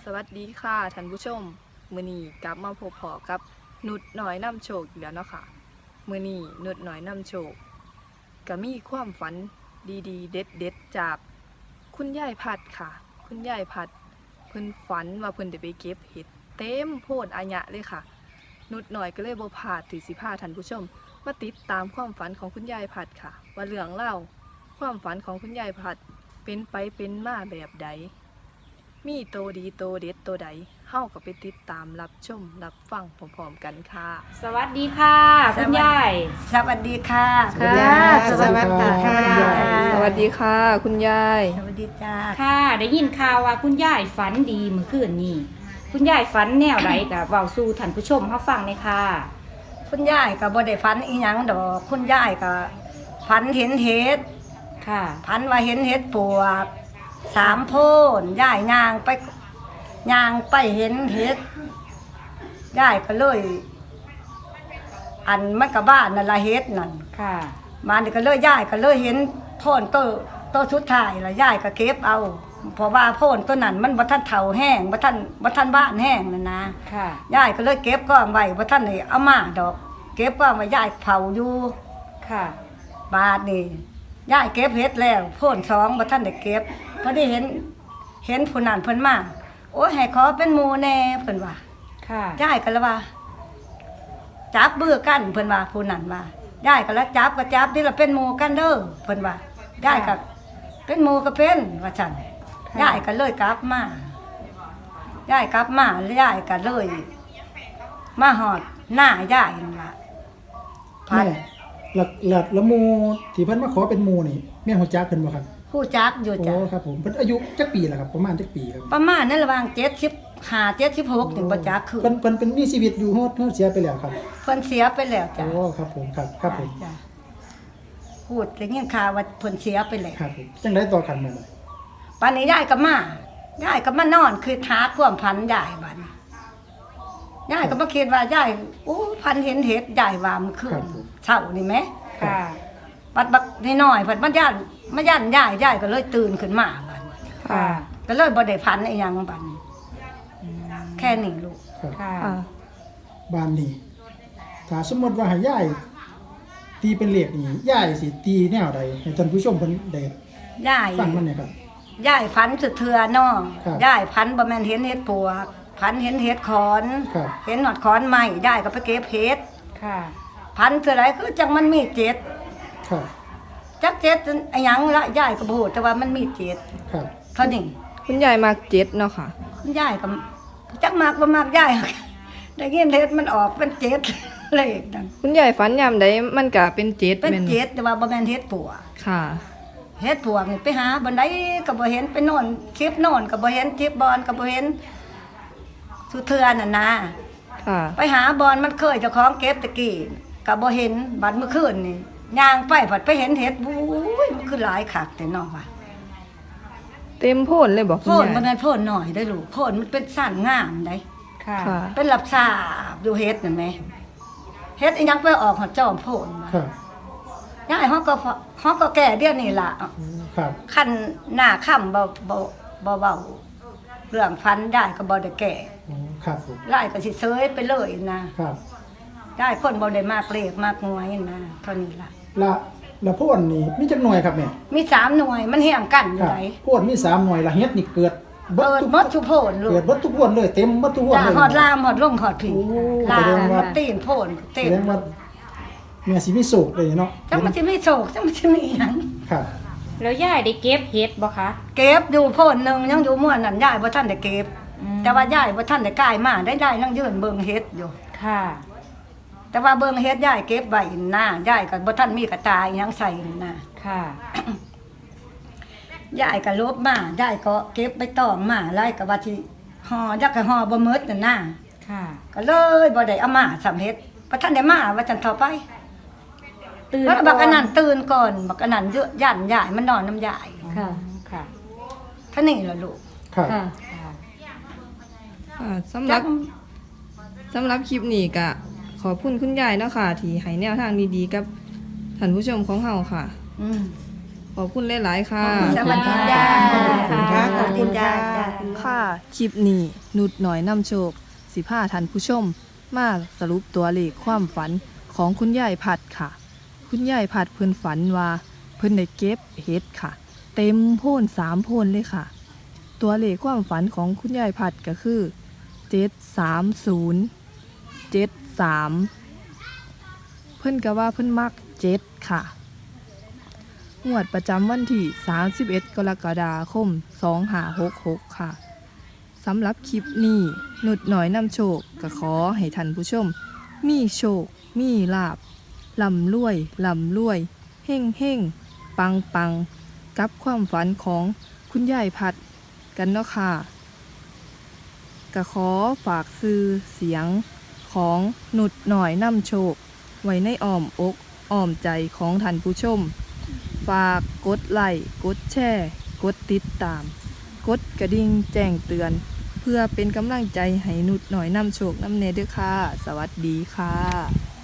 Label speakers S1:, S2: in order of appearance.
S1: วัสดีค่ะท่านผู้ชมมื้อนี้กลับมาพบพอกับนุชน้อยนำโชคอีกแล้วเนาะค่ะมื้อนี้นุชน้อยนำโชคก็มีความฝันดีๆเด็ดๆจากคุณยายพัดค่ะ คุณยายพัดเพิ่นฝันว่าเพิ่นได้ไปเก็บเห็ดเต็มโพดอาหยะเลยค่ะ นุชน้อยก็เลยบ่พลาดที่สิพาท่านผู้ชมมาติดตามความฝันของคุณยายพัดค่ะ ว่าเรื่องเล่าวความฝันของคุณยายพัดเป็นไปเป็นมาแบบใด มีโตดีโตเด็ดโตใดเฮาก็ไปติดตามรับชมรับฟังพร้อมๆกันค่ะ
S2: สวัสดีค่ะคุณยาย
S3: สวัสดีค่ะ
S2: ค่ะสวัสดีค่ะ
S1: สวัสดีค่ะ คุณยาย
S3: สวัสดีจ้า
S2: ค่ะ ได้ยินข่าวว่าคุณยายฝันดีเมื่อคืนนี้คุณยายฝันแนวไรกับเว้าสู่ท่านผู้ชมเขาฟังเลยค่ะ
S3: คุณยายก็บ่ได้ฝันอีหยังดอกคุณยายก็ฝันเห็นเห็ด
S2: ค่ะ
S3: ฝันว่าเห็นเห็ดปวก3 โพนยายย่างไปเห็นเห็ดยายก็เลย อันมันก็บ้านนั่นละเห็ดนั่น
S2: ค่ะ
S3: มานี่ก็เลยยายก็เลยเห็นโพนโตสุดท้ายละยายก็เก็บเอาเพราะว่าโพนตัวนั้นมันบ่ทันเฒ่าแห้งบ่ทันบ้านแห้งนั่นนะ
S2: ค่ะ
S3: ยายก็เลยเก็บก้อนไว้บ่ทันได้เอามาดอก เก็บก้อนไว้ยายเผาอยู่
S2: ค่ะ
S3: บาดนี่ยายเก็บเฮ็ดแล้วโพ่น2บ่ทันได้เก็บพอได้เห็นผู้นั้นเพิ่นมาโอ้ยให้ขอเป็นหมู่แน่เพิ่นว่า
S2: ค่ะ
S3: ยายก็เลยว่าจับมือกันเพิ่นว่าผู้นั้นว่ายายก็เลยจับก็จับนี่ล่ะเป็นหมู่กันเด้อเพิ่นว่ายายก็เป็นหมู่ก็เป็นว่าซั่นยายก็เลยกลับมายายกลับมาแล้วยายก็เลยมาฮอดหน้ายายนั่นล่ะพัน
S4: แม่หลักละหมูที่เพิ่นมาขอเป็นหมูนี่แม่ฮู้จักเพิ่นบ่ครับ
S3: ผู้จักอยู่
S4: โอ้
S3: จ้ะ
S4: ครับผมเพิ่นอายุจักปีล่ะครับประมาณจักปีครับ
S3: ประมาณนั้นระหว่าง75 76ถึงบ่จักคือ
S4: เพิ่นมีชีวิตอยู่ฮอดเสียไปแล้วครับ
S3: เพิ่นเสียไปแล้วจ้ะ
S4: โอ้ครับผมครับผม
S3: จ้ะพูดได้ยินข่าวว่าเพิ่นเสียไปแล้ว
S4: ครับผมจังได๋ต่อกันมาหน่อย
S3: ปานนี้ยายก็มานอนคือหาความพันยายบัดนี้ยายก็บ่คิดว่ายายโอ้พันเห็นเห็ดยายว่ามันคืนเช้านี่แหม
S2: ค่ะ
S3: บัดน้อยๆเพิ่นมาย่านยายก็เลยตื่นขึ้นมาบัดนี้
S2: ค่ะ
S3: ก็เลยบ่ได้พันอีหยังบัดนี้แค่นี้ลูก
S4: ครับ
S2: ค่ะ
S1: อ่า
S4: บ้านนี้ถ้าสมมุติว่าให้ยายตีเป็นเลขนี่ยายสิตีแนวใดให้ท่านผู้ชมเพิ่นได้
S3: ยาย
S4: ฟังมันหน่อยครับ
S3: ยายฝันสุดเทือเนาะ
S4: ครับ
S3: ยายฝันบ่แม่นเห็นเห็ดปวกฝันเห็นเห็ดขอน
S4: ครับ
S3: เห็นหนอดขอนใหม่ยายก็ไปเก็บเห็ด
S2: ค่ะ
S3: ฝันคืออะไรคือจังมันมีเจ็ด
S4: ครับ
S3: จักเจ็ดอะหยังละยายก็บ่ฮู้แต่ว่ามันมีเจ็ด
S4: ครับ
S3: เท่านี้
S1: คุณยายมากเจ็ดเนาะค่ะ
S3: คุณยายก็จักมากบ่มากยาย ได้ยินเห็ดมันออกเป็นเจ็ด เลขนั่น
S1: คุณยายฝันยามใดมันก็เป็นเจ็ด
S3: เป็น
S1: แม่น
S3: เจ็ดแต่ว่าบ่แม่นเห็ดปวก
S1: ค่ะ
S3: เฮ็ดปวกนี่ไปหาบันไดก็บ่เห็นไปโน่นคลิปโน่นก็บ่เห็นคลิปบอลก็บ่เห็นสุเทือนั่นนะ
S1: ค่ะ
S3: ไปหาบอลมันเคยเจ้าของเก็บตะกี้ก็บ่เห็นบัดเมื่อคืนนี่ย่างไปผัดไปเห็นเห็ดบู้ยมันคือหลายคักแต่น้อว่ะ
S1: เต็มโพนเลยบอกคุ
S3: โพ
S1: ณ
S3: น
S1: ยาย
S3: มันเป็นโพนหน่อยได้อลูกโพนมันเป็นสั้นงามได้
S2: ค่ะ
S1: ค่ะ
S3: เป็นหลับสาบอยู่เฮ็ดนั่นแหมเฮ็ดอีหยังไปออกหอดจอมโพนว่ะ
S4: ครับ
S3: ยายเฮาก็แก่เดี๋ยวนี้ล่ะ
S4: ครับ
S3: คันหน้าค่ำบ่เว้าเรื่องฟันได้ก็บ่ได้แก่
S4: อ๋อครับผม
S3: ไล่ก็สิเซยไปเลยนะครับ ได้คนบ่ได้มากเลขมากหน่วยนะเท่านี้ล่ะ
S4: ละโพนนี่มีจักหน่วยครับแม่
S3: มี3หน่วยมันเฮียงกันอ
S4: ค
S3: ยู่
S4: รับ
S3: ได
S4: โพนมี3หน่วยละเฮ็ดนี่เกิด
S3: เปิดหมดทุกโพนลู
S4: เกิ
S3: ก
S4: ดเบิดทุกพวนเลยเต็มเบิดทุกพวน
S3: จ้า
S4: เลย
S3: หอดลามหอดลมหอดผี
S4: โอ้
S3: ลา
S4: แสดงว่า
S3: มตีนโพนเต็
S4: แส
S3: ม
S4: ดงว่าแม่สิมีโศกเลยเนาะ
S3: จังมันสิมีโศกจังมันสิมีหยัง
S4: ครับ
S2: แล้วยายได้เก็บเห็ดบ่คะ
S3: เก็บอยู่โพนหนึงยังอยู่ม่วนนั่นยายบ่ทันได้เก็บ แต่ว่ายายบ่ทันได้กายมาได้ยายนั่งยืนเบิ่งเฮ็ดอยู่
S2: ค่ะ
S3: แต่ว่าเบิ่งเฮ็ดยายเก็บไว้หน้ายายก็บ่ทันมีกระตายหยังใส่น่ะ
S2: ค่ะ
S3: ยายก็ลบมายายก็เก็บใบตองมาไล่ก็ว่าสิห่อจักก็ห่อบ่หมดนั่นน่ะ
S2: ค่ะ
S3: ก็เลยบ่ได้เอามาสำเฮ็ดบ่ทันได้มาว่าจันเท่าไป
S2: ตื่น
S3: แล้วบักอันนั้นตื่นก่อนบักอันนั้นเยอะย่านยายมันนอนน้ำยาย
S2: ค่ะ ค่ะ
S3: เท่านี้ล่ะลูก
S4: ครับ
S2: ค่ะ
S1: อ่าสำหรับคลิปนี้ก็ขอบคุณคุณยายเนาะค่ะ ที่ให้แนวทางดีๆกับท่านผู้ชมของเฮาค่ะ
S3: อืม
S1: ขอบคุณหลายๆค่ะ
S3: สวัสดีจ้า
S2: ขอบคุณค่ะ
S3: ขอบคุณจ้า
S1: ค่ะคลิปนี้นุดหน่อยนำโชคสิพาท่านผู้ชมมาสรุปตัวเลขความฝันของคุณยายผัดค่ะ คุณยายผัดเพิ่นฝันว่าเพิ่นได้เก็บเห็ดค่ะ เต็มโพ่น3โพ่นเลยค่ะ ตัวเลขความฝันของคุณยายผัดก็คือ73073เพิ่นก็ว่าเพิ่นมัก7ค่ะงวดประจำวันที่31กรกฎาคม2566ค่ะสำหรับคลิปนี้นุดหน่อยนำโชคก็ขอให้ท่านผู้ชมมีโชคมีลาภร่ำรวยเฮ่งปังกับความฝันของคุณยายผัดกันเนาะค่ะก็ขอฝากซื้อเสียงของนุดหน่อยนำโชคไว้ในอ้อมอกอ้อมใจของท่านผู้ชมฝากกดไลค์กดแชร์กดติดตามกดกระดิ่งแจ้งเตือนเพื่อเป็นกำลังใจให้นุดหน่อยนำโชคนำเนเด้อค่ะสวัสดีค่ะ